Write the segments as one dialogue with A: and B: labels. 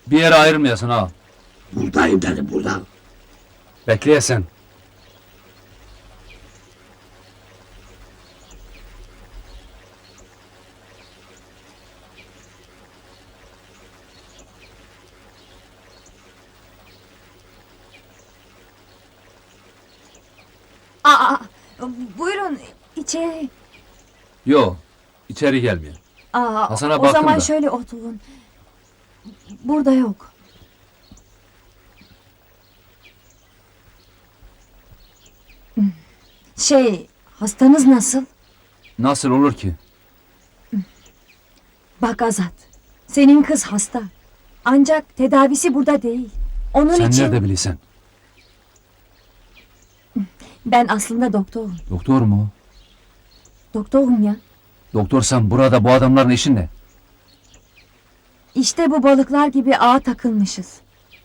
A: Bir yere ayrılmayasın ha.
B: Buradayım dedim, burada.
A: Bekleyesen.
C: Aa, buyurun içeri.
A: Yo, içeri gelmiyor. Hasan'a
C: O
A: baktım
C: zaman
A: da.
C: şöyle oturun. Burada yok. Hastanız nasıl?
A: Nasıl olur ki?
C: Bak Azat, senin kız hasta. Ancak tedavisi burada değil. Onun
A: Sen
C: için
A: nerede bilirsen?
C: ben aslında doktorum.
A: Doktor mu?
C: Doktorum ya.
A: Doktorsan burada bu adamların işin ne?
C: İşte bu balıklar gibi ağa takılmışız.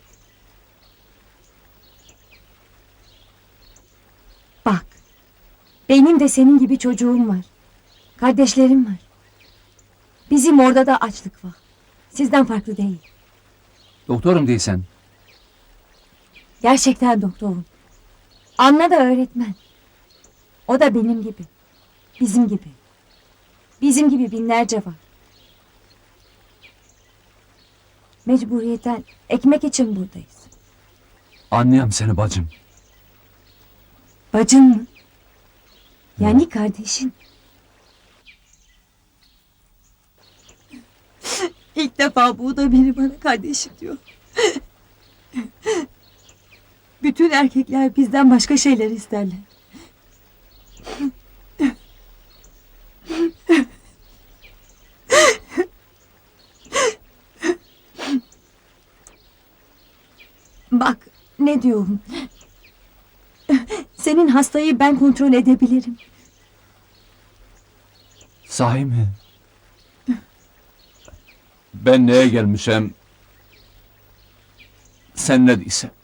C: Bak, benim de senin gibi çocuğum var. Kardeşlerim var. Bizim orada da açlık var. Sizden farklı değil.
A: Doktorum değilsen.
C: Gerçekten doktorum. Anna da öğretmen. O da benim gibi. Bizim gibi. Bizim gibi binlerce var. Mecburiyetten ekmek için buradayız.
A: Anlayam seni bacım.
C: Bacın mı? Yani kardeşin. İlk defa bu da biri bana kardeşim diyor. Bütün erkekler bizden başka şeyler isterler. Bak ne diyorum. Senin hastayı ben kontrol edebilirim.
A: Sahi mi? Ben neye gelmişem? Sen ne değilsen.